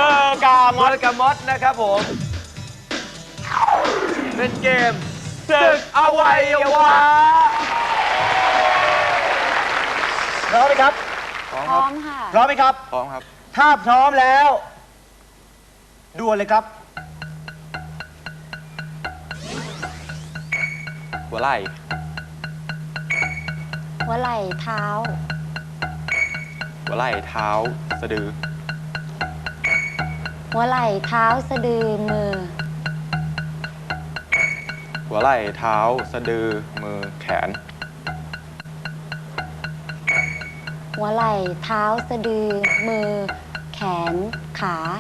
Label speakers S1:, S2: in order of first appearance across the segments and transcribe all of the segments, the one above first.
S1: อร์กามอส
S2: นะครับผมเป็นเกมศึกอวัยวะพร้อมไหมครับ
S3: พร้อมค่ะ
S1: พร้อมไหมครับ
S2: พร้อมครับ
S1: ถ้าพร้อมแล้วดวลเลยครับ
S2: หัวไหล่
S3: หัวไหล่เท้า
S2: หัวไหล่เท้าสะดือ
S3: หัวไหล่เท้าสะดือมือ
S2: หัวไหล่เท้าสะดือมือแขน
S3: หัวไหล่เท้าสะดือมือ แขนขา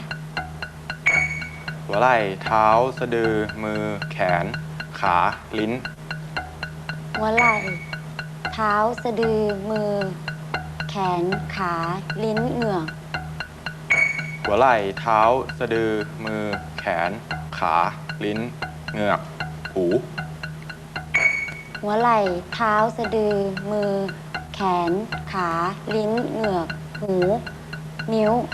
S2: หัวไหล่เท้าสะดือมือแขนขาลิ้น
S3: หัวไหล่เท้าสะดือมือ แขนขาลิ้นเหงือก
S2: หัวไหล่เท้าสะดือมือแขนขาลิ้นเหงือกหู
S3: หัวไหล่เท้าสะดือมือ แขนขาลิ้นเหงือกหู นิ้ว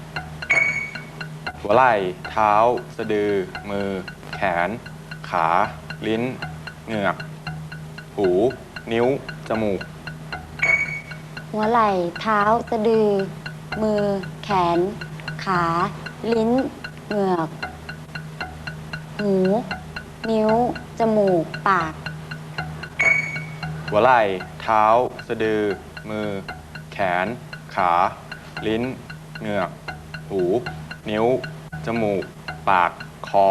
S2: หัวไหล่เท้าสะดือมือแขนขาลิ้นเหงือกหูนิ้วจมูก
S3: หัวไหล่เท้าสะดือมือ แขนขาลิ้นเหงือกหูนิ้วจมูกปาก
S2: หัวไหล่เท้าสะดือมือแขนขาลิ้นเหงือกหูนิ้วจมูกปากคอ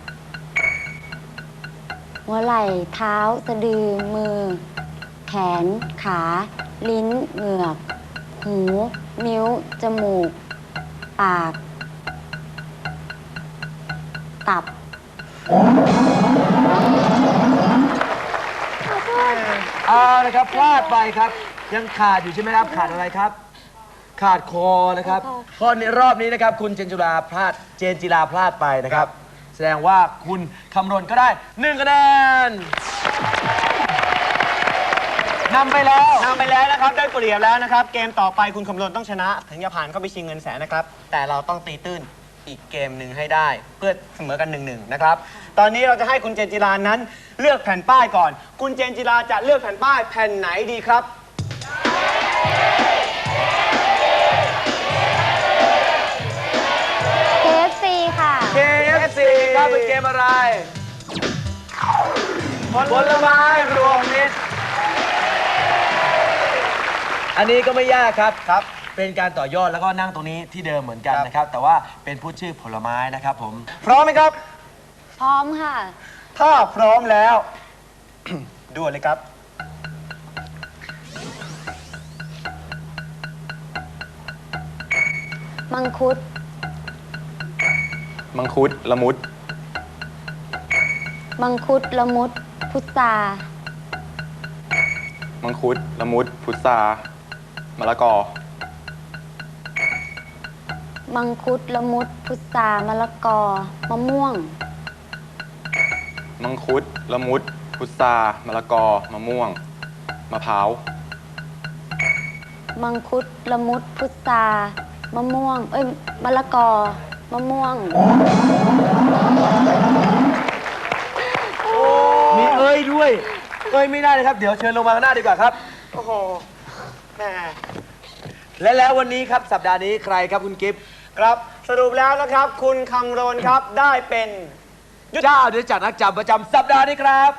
S3: หัวไหล่เท้าสะดือมือ แขนขาลิ้นเหงือกหูนิ้วจมูกปากตับ
S1: เอาละครับพลาดไปครับ ยังขาดอยู่ใช่ไหมครับ ขาดอะไรครับ ขาดคอนะครับข้อนี้รอบนี้นะครับ คุณเจนจิราพลาดไปนะครับ แสดงว่าคุณคำรณก็ได้1คะแนนนำไปแล้วนะครับได้เปรียบแล้วนะครับ เกมต่อไปคุณคำรณต้องชนะ ถึงจะผ่านเข้าไปชิงเงินแสนนะครับ แต่เราต้องตีตื้นอีกเกมหนึ่งให้ได้ เพื่อเสมอกัน1-1นะครับ ตอนนี้เราจะให้คุณเจนจิรานั้นเลือกแผ่นป้ายก่อน คุณเจนจิราจะเลือกแผ่นป้ายแผ่นไหนดีครับ
S3: KFC ค่ะ
S1: KFC ครับเป็นเกมอะไร ผลไม้รวมมิตร อันนี้ก็ไม่ยากครับ เป็นการต่อยอดแล้วก็นั่งตรงนี้ที่เดิมเหมือนกันนะครับ แต่ว่าเป็นพูดชื่อผลไม้นะครับผม พร้อมไหมครับ
S3: พร้อมค่ะ
S1: ถ้าพร้อมแล้ว ด่วนเลยครับ
S3: มังคุด
S2: มังคุดละมุด
S3: มังคุดละมุด พุทรา
S2: มังคุดละมุดพุทรามะละกอ
S3: มังคุดละมุด พุทรามะละกอ มะม่วง
S2: มังคุดละมุดพุทรามะละกอมะม่วงมะพร้าว
S3: มังคุดละมุด พุทรามะม่วง มะละกอ มะม่วง
S1: มีเอ้ยด้วยเอ้ยไม่ได้เลยครับ เดี๋ยวเชิญลงมาข้างหน้าดีกว่าครับ โอ้โหแม่แล้ววันนี้ครับสัปดาห์นี้ใครครับคุณกิฟต์ครับสรุปแล้วนะครับ คุณคำรณครับได้เป็นเจ้าเดือจัดนักจำประจำสัปดาห์นี้ครับ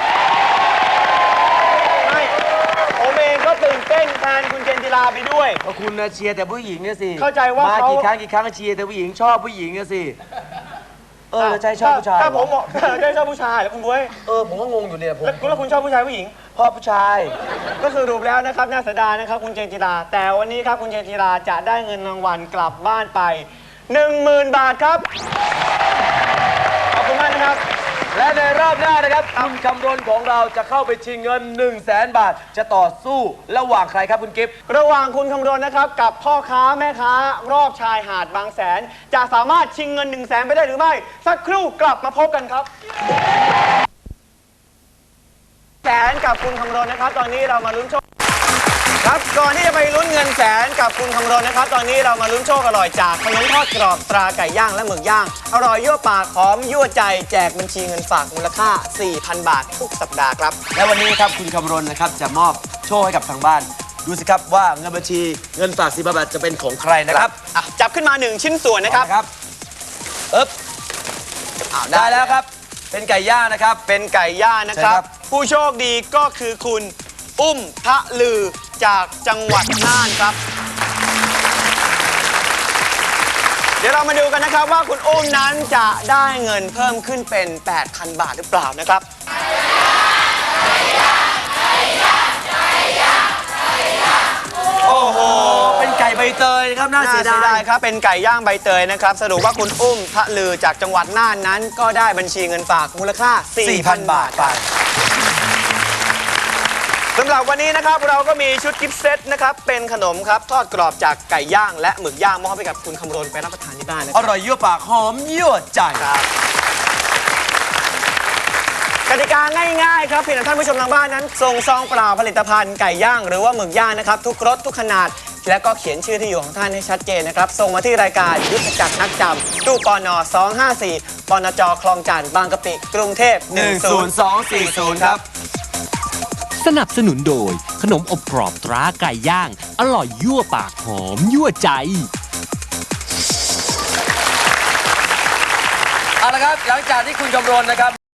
S1: ไม่ผมเองก็ตื่นเต้นแทนคุณเจนจิราไปด้วยเพราะคุณเชียร์แต่ผู้หญิงนะสิเข้าใจว่ามากี่ครั้งก็เชียร์แต่ผู้หญิงชอบผู้หญิงนะสิใจชอบผู้ชายถ้าผมบอกใจชอบผู้ชายแล้วคุณบ้ยผมก็งงอยู่เนี่ยผมแล้วคุณชอบผู้ชายผู้หญิงพ่อผู้ชายก็สรุปแล้วนะครับน่าเสียดายนะครับคุณเจนจิราแต่วันนี้ครับคุณเจนจิราจะได้เงินรางวัลกลับบ้านไป 10,000 บาทครับขอบคุณมากนะครับและในรอบหน้านะครับคุณคำรณของเราจะเข้าไปชิงเงิน 100,000 บาทจะต่อสู้ระหว่างใครครับคุณกิฟต์ระหว่างคุณคำรณนะครับกับพ่อค้าแม่ค้ารอบชายหาดบางแสนจะสามารถชิงเงิน 100,000 ไปได้หรือไม่สักครู่กลับมาพบกันครับแสนกับคุณคำรณนะครับตอนนี้เรามาลุ้นโชคครับก่อนที่จะไปลุ้นเงินแสนกับคุณคำรณนะครับตอนนี้เรามาลุ้นโชคอร่อยจากขนมทอดกรอบตราไก่ย่างและหมึกย่างอร่อยยั่วปากหอมยั่วใจแจกบัญชีเงินฝากมูลค่า 4,000 บาททุกสัปดาห์ครับและวันนี้ครับคุณคำรณนะครับจะมอบโชคให้กับทางบ้านดูสิครับว่าเงินบัญชีเงินฝาก4,000 บาทจะเป็นของใครนะครับจับขึ้นมา1ชิ้นส่วนนะครับได้แล้วครับเป็นไก่ย่างนะครับเป็นไก่ย่างนะครับผู้โชคดีก็คือคุณอุ้มทะลือจากจังหวัดน่านครับเดี๋ยวเรามาดูกันนะครับว่าคุณอุ้มนั้นจะได้เงินเพิ่มขึ้นเป็น 8,000 บาทหรือเปล่านะครับโอ้โหเป็นไก่ใบเตยนะครับน่าเสียดายครับเป็นไก่ย่างใบเตยนะครับสรุปว่าคุณอุ้มทะลือจากจังหวัดน่านนั้นก็ได้บัญชีเงินฝากมูลค่า 4,000 บาทไปสำหรับวันนี้นะครับเราก็มีชุดกิฟต์เซตนะครับเป็นขนมครับทอดกรอบจากไก่ย่างและหมึกย่างมอบให้กับคุณคำรณไปรับประทานที่บ้านนะครับอร่อยยั่วปากหอมยั่วใจครับกติกาง่ายๆครับเพียงแต่ท่านผู้ชมทางบ้านนั้นส่งซองเปล่าผลิตภัณฑ์ไก่ย่างหรือว่าหมึกย่างนะครับทุกรสทุกขนาดและก็เขียนชื่อที่อยู่ของท่านให้ชัดเจนนะครับส่งมาที่รายการยุทธจักรนักจำตู้ปน254ปนจคลองจันทน์บางกะปิกรุงเทพ10240ครับ
S4: สนับสนุนโดยขนมอบกรอบตราไก่ย่างอร่อยยั่วปากหอมยั่วใจ
S1: เอาละครับหลังจากที่คุณคำรณนะครับ